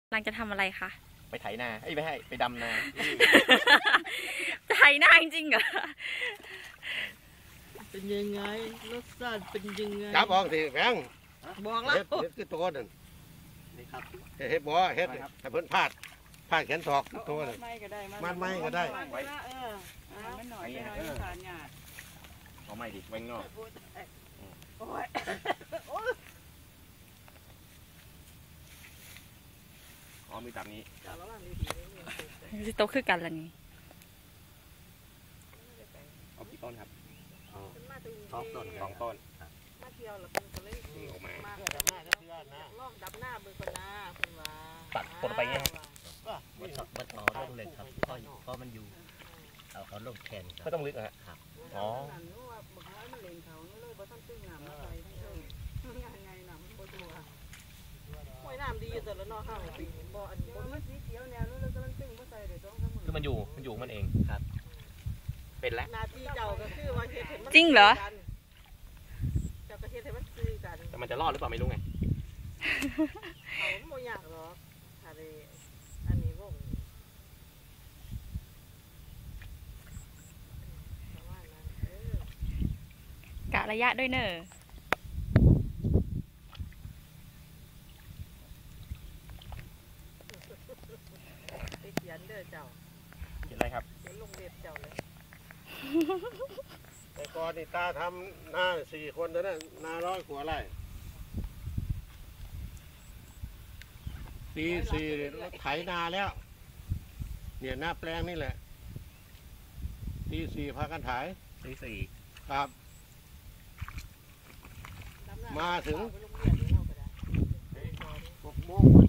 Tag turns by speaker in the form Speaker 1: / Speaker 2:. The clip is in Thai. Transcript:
Speaker 1: กำลังจะทำอะไรคะ
Speaker 2: ไปไถนาไม่ให้ไปดำนา
Speaker 1: จะไถนาจริงๆเหรอ
Speaker 3: เป็นยังไงรสชาติเป็นยังไง
Speaker 4: จับออกสิแพง
Speaker 3: บอกแล้ว
Speaker 4: เฮ็ดคือตัวนั่น
Speaker 2: นี่ครับ
Speaker 4: เฮ็ดบ่เฮ็ดแต่เพิ่นพลาดแขนศอกตัวนั่นมัดไม้ก็ได้
Speaker 3: ไว้มันหน่อยผ่านหยาด
Speaker 2: เอาไม่ดิแวงนอกอ๋อมีตับนี้
Speaker 1: สิโตคือกันละนี่
Speaker 2: เอากี่ต้นครับ
Speaker 3: 2 ต้นมาเที่ยวแล้วเพิ่นก็เลย
Speaker 2: ออกมา
Speaker 3: ดับหน้าก็เชื่อนะลองดับหน้าเบิ่งก่อนนะเพิ่นว่า
Speaker 2: ตัดผลไปไง
Speaker 5: มันต่อลงเลยครับเพราะมันอยู่เอาลงแขน
Speaker 2: ไม่ต้องลึกอะครับอ๋อ
Speaker 3: บอกว่ามันเล่นเขาเลยบ่ทันตึ้งน้ำมาใส่ยังไงน้ำมันบ่ตัวห้วยน้ำดีอยู่แต่ละเนาะข้างปีบ่อันบ่มันสีเขียวแนวนู้นแล้วก็มันตึ้งบ่ใส่ได้2-3มื้อ
Speaker 2: คือมันอยู่มันเองครับเป็นแล้ว
Speaker 3: หน้าที่เจ้าก็คือว่าเฮ็ดให้มัน
Speaker 1: จริงเหรอ
Speaker 3: เจ้าก็เฮ็ดให้มันซื้อกัน
Speaker 2: แต่มันจะรอดหรือเปล่าไม่รู้ไง
Speaker 3: เขาบ่อยากหรอกถ้าได้อันนี้วง
Speaker 1: กะระยะด้วยเนอะ
Speaker 3: ไปเขียนเด้อเจ้า
Speaker 2: เห็นอะไรครับ
Speaker 3: เขียนลงเว็บเจ้าเลย
Speaker 4: แต่ก่อนนี่ตาทำนา4 คนเท่านั้นนา100 กว่าไร่ปี4รถไถนาแล้วเนี่ยหน้าแปลงนี่แหละปี4พากันไถ
Speaker 2: ปี4
Speaker 4: ครับมาถึง6 โมง